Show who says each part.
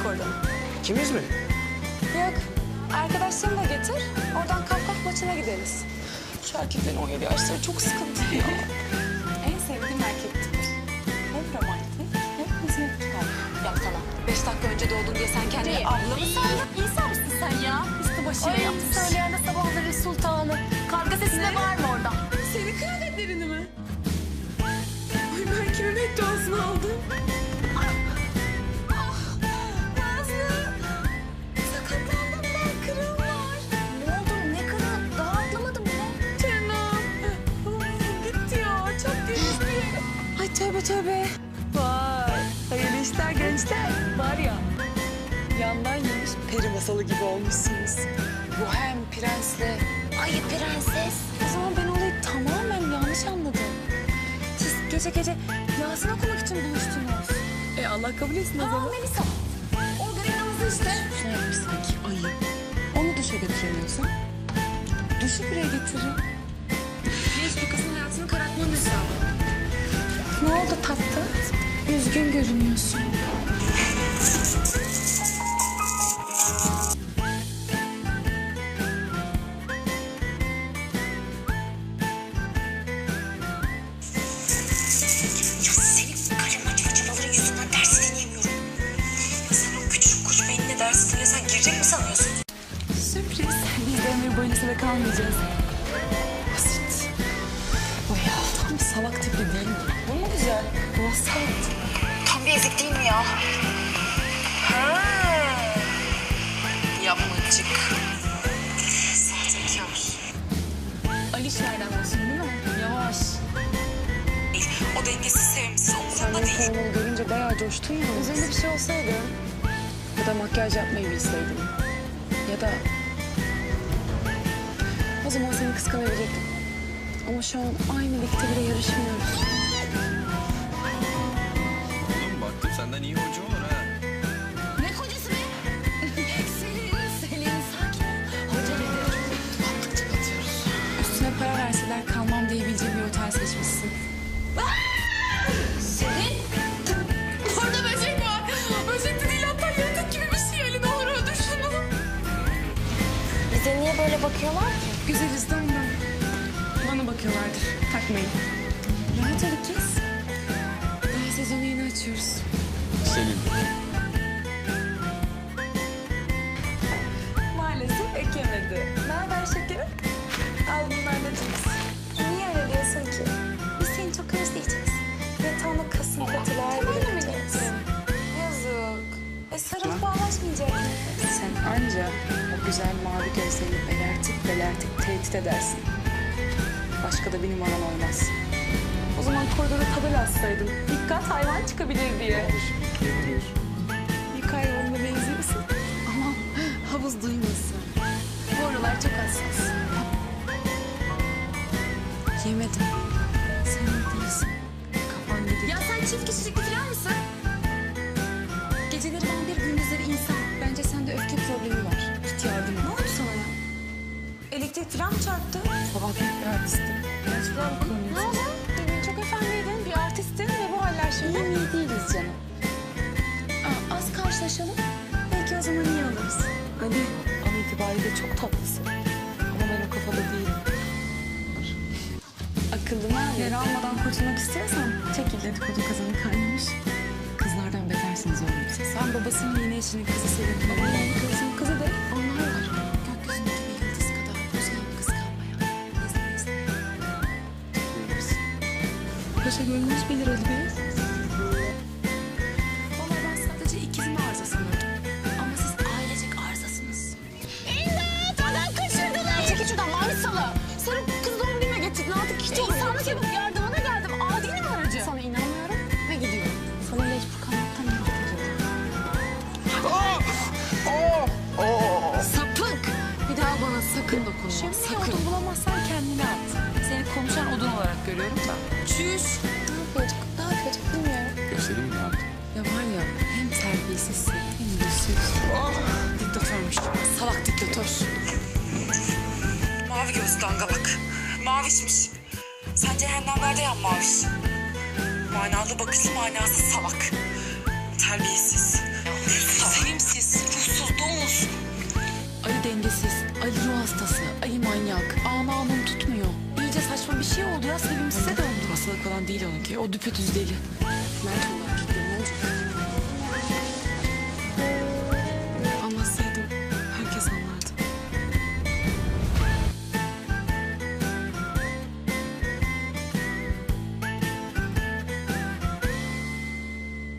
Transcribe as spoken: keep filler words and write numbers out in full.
Speaker 1: çık oradan.
Speaker 2: İkimiz mi?
Speaker 1: Yok. Arkadaşlarını da getir. Oradan Kafkas maçına gideriz. Şu erkeklerin on yedi yaşları çok sıkıntı ya. En sevdiğim erkek tipi. Hem romantik hem hizmetkar. Ya sana beş dakika önce doğdun diye sen kendini abla mı sandın?
Speaker 3: İnsan mısın sen ya? Üstü başıyla
Speaker 1: Ay,
Speaker 3: yapmış. Söyleyen de sabahları sultanı. Karga sesi de var mı orada?
Speaker 1: Senin kıyafetlerini mi? Ay ben kimin bedduasını aldım? Ah, ah, Nazlı. Sakatlandım ben, kırığım var.
Speaker 3: Ne oldu? Ne kadar? Daha atlamadım bile.
Speaker 1: Canım. Gitti ya, çok değişti. Ay tövbe tövbe. Vay, hayırlı işler gençler. Var ya, yandan yemiş peri masalı gibi olmuşsunuz. Bu hem prensle.
Speaker 3: Ay prenses.
Speaker 1: O zaman ben olayı tamamen yanlış anladım. Siz gece gece Yasin okumak için buluştunuz. E Allah kabul etsin o zaman.
Speaker 3: Aa Melisa. O granamızı işte.
Speaker 1: Ne yapmış sanki ayı. Onu duşa götüremiyorsan duşu buraya getirin. Genç bir kızın hayatını karartmanın hesabı. Ne oldu tatlı? Üzgün görünüyorsun.
Speaker 4: Senin karınma çerçeveleri yüzünden dersi dinleyemiyorum. Sen o küçük kuş beynine dersi dinlesen girecek mi sanıyorsun?
Speaker 1: Sürpriz. Biz de ömür boyunca sıra kalmayacağız. Basit. O ya tam bir salak tipi değil mi? Bu mu güzel? Basit.
Speaker 4: Tam bir ezik değil mi ya? Ha. Yapmacık. Sahtekar.
Speaker 1: Alişlerden olsun değil mi? Yavaş.
Speaker 4: O dengesiz, sevimsiz,
Speaker 1: Sen
Speaker 4: umurumda
Speaker 1: benim
Speaker 4: değil.
Speaker 1: kolumu görünce bayağı coştun ya. Üzerinde bir şey olsaydı ya da makyaj yapmayı bilseydim ya da o zaman seni kıskanabilirdim. Ama şu an aynı ligde bile yarışmıyoruz.
Speaker 5: Oğlum baktım senden iyi hoca olur ha.
Speaker 3: Ne kocası be? Selin, Selin sakin ol. Hoca dedi.
Speaker 1: Battıkça batıyoruz. Üstüne para verseler kalmam diyebileceğim bir otel seçmişsin.
Speaker 3: Selin.
Speaker 1: Orada böcek var. Böcek de değil hatta yaratık gibi bir şey. Ali ne olur öldür şunu.
Speaker 3: Bize niye böyle bakıyorlar ki?
Speaker 1: Güzeliz de ondan. Bana bakıyorlardır. Takmayın. Rahat ol kız. Daha sezonu yeni açıyoruz.
Speaker 5: Selin.
Speaker 1: Maalesef ekemedi. Ne haber şekerim? Al bunlar da cips. Niye öyle diyorsun ki? Biz seni çok özleyeceğiz. Yatağına kasım katılar bırakacağız. Yazık. E sarılıp bağlaşmayacak mıyız? Sen anca o güzel mavi gözlerini belertip belertip tehdit edersin. Başka da bir numaran olmaz. O zaman koridora tabela assaydın. Dikkat hayvan çıkabilir diye. Yık hayvanına benziyorsun. Ama havuz duymasın. Bu aralar çok hassas. Yemedim. Sen iyi değilsin. Kafan gidiyor.
Speaker 3: Ya sen çift kişilikli falan mısın?
Speaker 1: Geceleri vampir, gündüzleri insan. Bence sende öfke problemi var. Git yardım et. Ne oldu sana ya? Elektrik falan mı çarptı? Sabah büyük bir artistim. İlaç falan mı kullanıyorsun? Ne oldu? Demin çok efendiydin, bir artistin ve bu haller şimdi. İyi mi iyi değiliz canım. Aa, az karşılaşalım. Belki o zaman iyi oluruz. Hadi. An itibariyle çok tatlısın. Ama ben o kafada değilim. Akıllıma yara almadan kurtulmak istiyorsan çekil dedikodu kazanı kaynamış. Kızlardan betersiniz oğlum siz. Sen babasının yeni eşinin kızı Selin. Babanın kızının kızı da onlar var. Gökyüzündeki bir yıldız kadar güzel bir kız kalmaya. İzle izle. Paşa gönlünüz bilir Ali Bey. Valla ben sadece ikizimi arıza sanıyordum. Ama siz ailecek arızasınız.
Speaker 3: İmdat! Adam kaçırdılar. Çekil şuradan mavi salı. Sen o kız doğum gününe getirdin artık hiç olur. İnsanlık yapıp yardımına geldim. Adi mi aracı?
Speaker 1: Sana inanmıyorum ve gidiyorum. Sana mecbur kalmaktan nefret ediyorum.
Speaker 3: Sapık. Bir daha bana sakın dokunma.
Speaker 1: Şimdi
Speaker 3: sakın.
Speaker 1: odun bulamazsan kendine at. Seni konuşan odun olarak görüyorum da.
Speaker 3: Çüş.
Speaker 1: Ne yapıyorduk? Ne yapıyorduk bilmiyorum.
Speaker 5: Göstereyim mi ne yaptın?
Speaker 1: Ya var ya hem terbiyesizsin hem yüzsüz. Diktatörmüş. Salak diktatör.
Speaker 4: Mavi gözlü dangalak. Mavişmiş. Sen cehennemlerde yan maviş. Manalı bakışlı manasız salak. Terbiyesiz. Senin
Speaker 2: bir şey oldu ya. Sevimsize döndü.
Speaker 6: Hastalık falan değil onunki. O düpedüz deli.
Speaker 2: Mert olarak.